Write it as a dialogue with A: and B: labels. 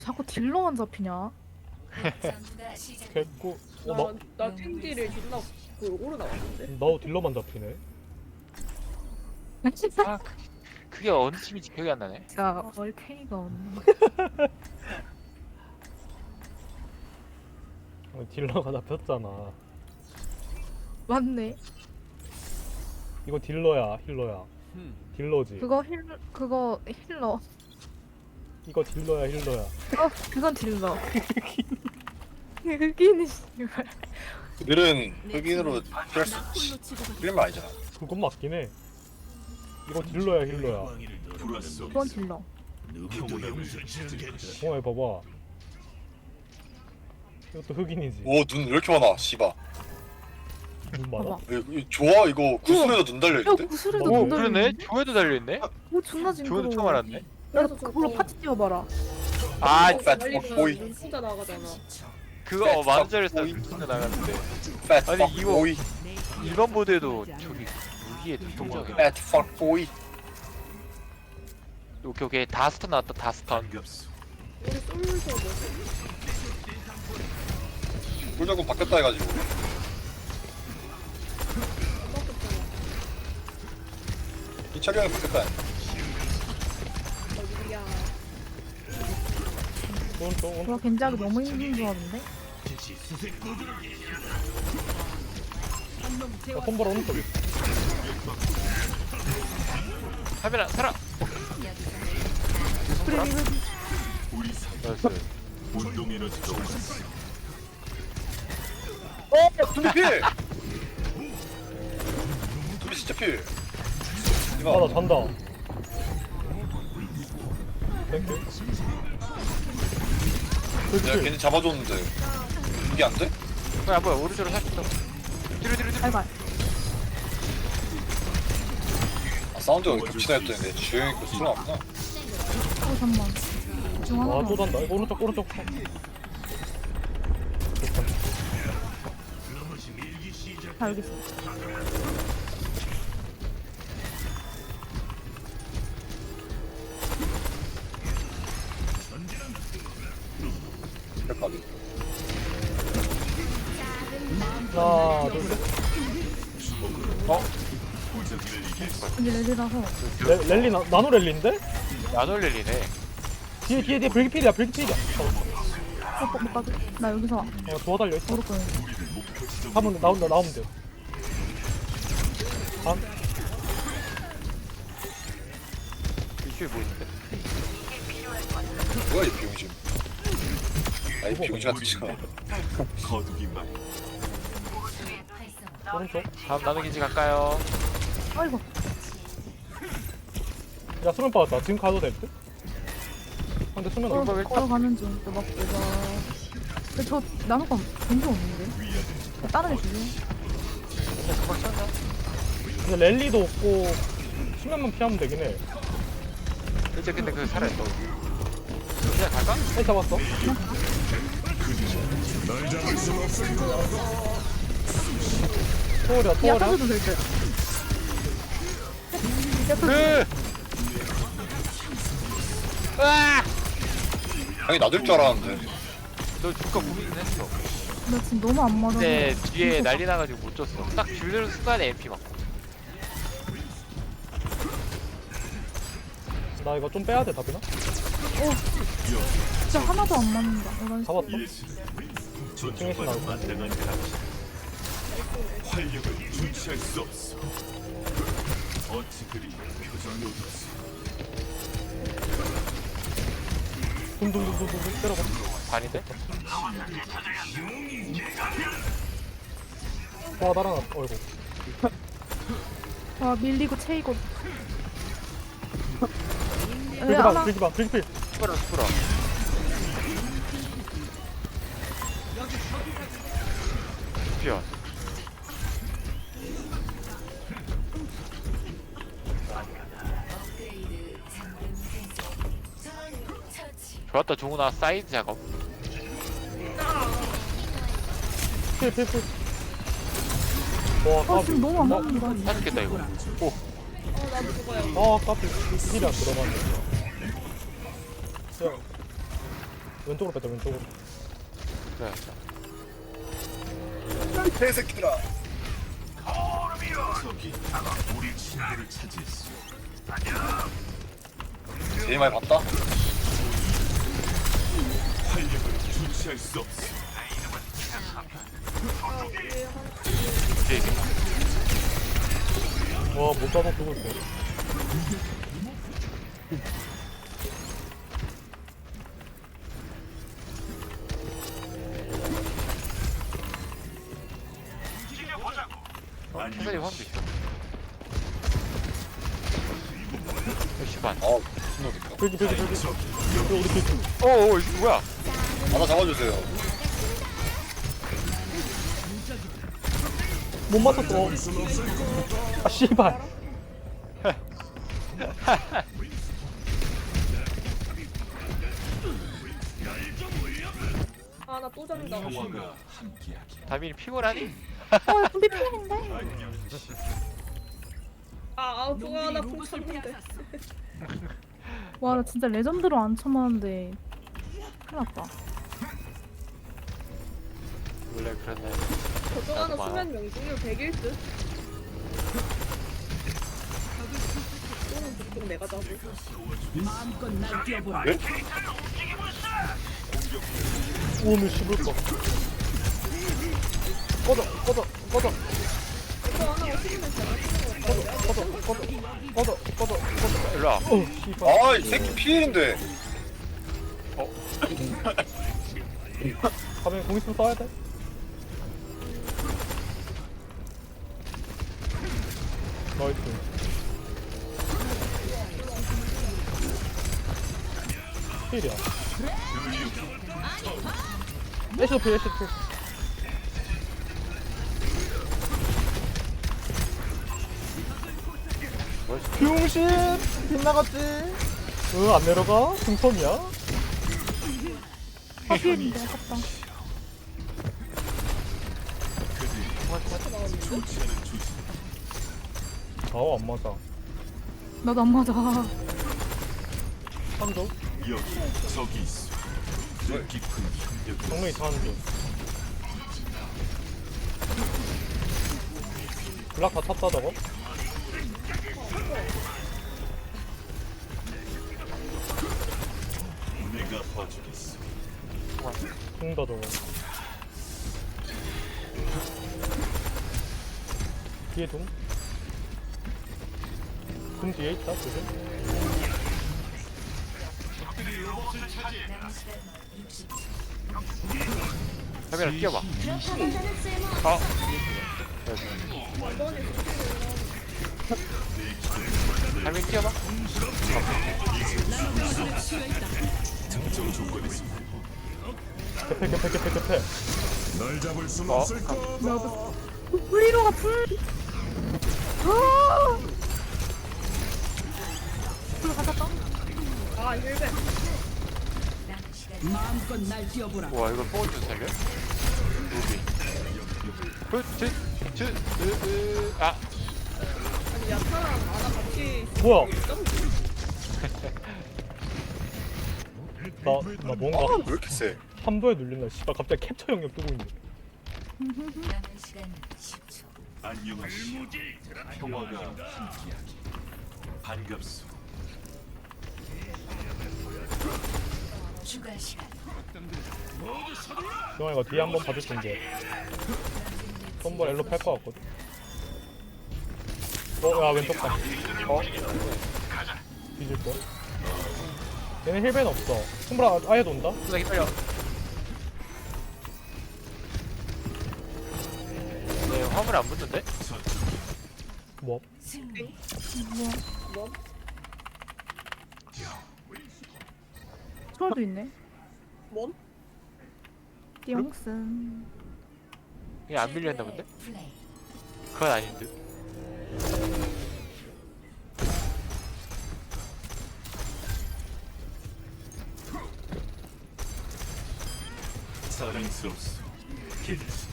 A: 자꾸 딜러만 잡히냐?
B: 개꿀.
C: 나 탱딜을 존나 오르 나왔는데.
B: 나도 딜러만 잡히네.
D: 아, 그게 어느 팀인지 기억이 안 나네.
A: 야, 얼탱이가 없네.
B: 딜러가 잡혔잖아.
A: 맞네.
B: 이거 딜러야, 힐러야. 딜러지.
A: 그거 힐러.
B: 이거 딜러야, 힐러야.
A: 그건 딜러. 흑인이 씨발.
E: 그들은 흑인으로 피할 수 필름 아니잖아.
B: 그건 맞긴 해. 이거 딜러야, 힐러야.
A: 그건 딜러.
B: 봐봐. 이것도 흑인이지.
E: 오, 눈 왜 이렇게 많아, 씨바.
B: 눈 많아?
A: 봐봐.
E: 좋아, 이거 구슬에도 눈
A: 야,
E: 달려있는데?
A: 구슬에도
B: 오,
A: 눈
D: 그러네?
A: 달리는데?
D: 조회도 달려있네?
A: 오, 존나 징그러워.
D: 조회도 처음 알았네?
A: 야,
C: 그래서
A: 그걸로 파티 뛰어봐라.
D: 아,
E: fat boy.
C: 눈 진짜 나가잖아.
D: 그거 만원짜리에서 진짜 나갔는데.
E: Fat
D: 아니,
E: fuck
D: 이거-
E: boy.
D: 일반 보드에도 저기 무기에 눈동자가.
E: Fat fuck boy.
D: 오케이. 다스턴 나왔다, 다스턴.
C: 우리 솔루션 뭐지?
E: 꿀조금 바뀌었다 해가지고. 이 차량이 바뀌었다.
C: 어디야?
B: 오른쪽.
A: 와, 겐지하기 너무 힘든 조합인데?
B: 손발 오른쪽에.
D: 카메라, 살아!
A: 그래, 이거
D: 나이스.
E: 두비 필! 두비 진짜 필!
B: 아,
E: 이거
B: 나 잔다. 땡큐.
E: 내가
B: 그렇지.
E: 괜히 잡아줬는데 이게 안 돼?
D: 뭐야, 오른쪽으로 살짝 더. 뒤로.
A: 알바.
E: 아, 사운드가 왜 겹치나 했더니 내 주행이 그 수가 없나?
A: 잠깐만. 중 하나.
B: 아, 또 잔다. 오른쪽.
A: 다 여기 있어.
E: 헷갈리.
B: 하나, 둘, 셋.
A: 이제 레디라서.
B: 랠리, 나노 랠리인데?
D: 나놀렐리네.
B: 뒤에, 브레이크필이야.
A: 못 가게. 나 여기서 와.
B: 도와달려 있어.
A: 모를 거야.
B: 나오면 돼.
D: 이쪽에 뭐 있는데?
E: 뭐야 이 비용심. 아이 비용심 같은 거.
B: 오른쪽.
D: 다음 나누기지 갈까요?
A: 아이고.
B: 야, 수면 빠졌다. 지금 가도 될 듯? 근데 수면
D: 어, 왜
A: 걸어가는 중. 또 막, 내가. 근데 저, 나노가 본적 없는데? 다른 애 주지?
D: 금방 찬다.
B: 근데 랠리도 없고 수면만 피하면 되긴 해.
D: 이제 근데 그 살아있어. 그냥 갈까?
B: 해 잡았어. 토월이야.
A: 야, 터져도 될 듯.
D: 그! 으아!
E: 아니 나들 줄 알았는데.
D: 너 줄까 고민은 했어.
A: 나 지금 너무 안 맞아.
D: 근데 뒤에 난리 나가지고 못 줬어. 딱 줄는 순간에 MP 맞고.
B: 나 이거 좀 빼야 돼, 답이나?
A: 진짜 하나도 안 맞는다. 이런
B: 잡았어. 2층에서 나올 거야. 둥둥둥둥둥 때려봐.
D: 반인데?
B: 와, 날아났어. 어이구.
A: 와, 밀리고 채이고.
B: 불기봐. 불기필.
D: 스프라. 피어. 좋았다, 종훈아. 사이드 작업.
B: 필. 와,
A: 아,
B: 까비.
A: 지금 너무 안 맞는다.
D: 사죽겠다, 이거. 오,
C: 나도 저거야.
B: 까비. 힐이 안 들어가네. 야, 왼쪽으로 뺐다 왼쪽으로.
D: 그래.
E: 개새끼들아. 제일 많이 봤다.
D: 이제 이게
B: 와못 잡아 죽을 거.
D: 사살이 화음도 있어. 씨발.
E: 무슨 놈이야.
B: 저기 우리 뒤.
D: 어어 이거 뭐야?
E: 하나 잡아주세요.
B: 못 맞췄어. 아 씨발.
C: 아 나 또 잡는다.
D: 다민이 피곤하니?
A: 어 분비 피했는데.
C: 그거 나궁 쳤는데.
A: 와 나 진짜 레전드로 안 쳐맞는데 큰일 났다.
D: 원래 그랬네.
C: 저쪽
D: 나도
C: 하나
D: 많아.
C: 수면 명중률 100일 듯. 또는 보통 내가 잡을.
E: 네?
B: 오늘 씹을 거. 꺼져.
C: 이거 하나 없으면 제가
B: 꺼져.
D: 일로 와.
B: 어 씨발.
E: 아, 이 새끼 피해인데.
B: 가면 공 있으면 써야 돼. 나이스. 필이야. 애쉬도 필. 병신! 빗나갔지? 안 내려가? 중턴이야?
A: 아 피했는데 아깝다.
B: 안 맞아.
A: 나도 안 맞아.
B: 3조? 정면이 다 1조. 블락 다 탔다 저거? 죽는다 저거. 뒤에 둥? 둥 뒤에 있다 지금?
D: 다민아 뛰어봐. 다민 뛰어봐.
B: 개패.
A: 불리로가 불. 아! 불 가졌다.
C: 아 힐백.
D: 와 이걸 뽕을 좀 살려? 아
C: 아니 야타랑 아나 같이
B: 뭐야?
C: 점
B: 나 뭔가
E: 아, 왜 이렇게 세?
B: 한도에 눌린다. 씨발 갑자기 캡처 영역 뜨고 있네. 영아 이거 뒤에 한번 봐줄 텐데. 한번 엘로 팔 것 같거든. 야 왼쪽 봐. 뒤질 거. 얘는 힐벤 없어. 손브라 아예 돈다.
D: 누나 기다려. 네 화물 안 붙는데?
B: 뭐?
C: 뭐?
A: 초월도 있네.
C: 뭔?
A: 띠용슨.
D: 이게 안 밀렸나 본데? 그건 아닌 듯.
F: 사랑스럽소.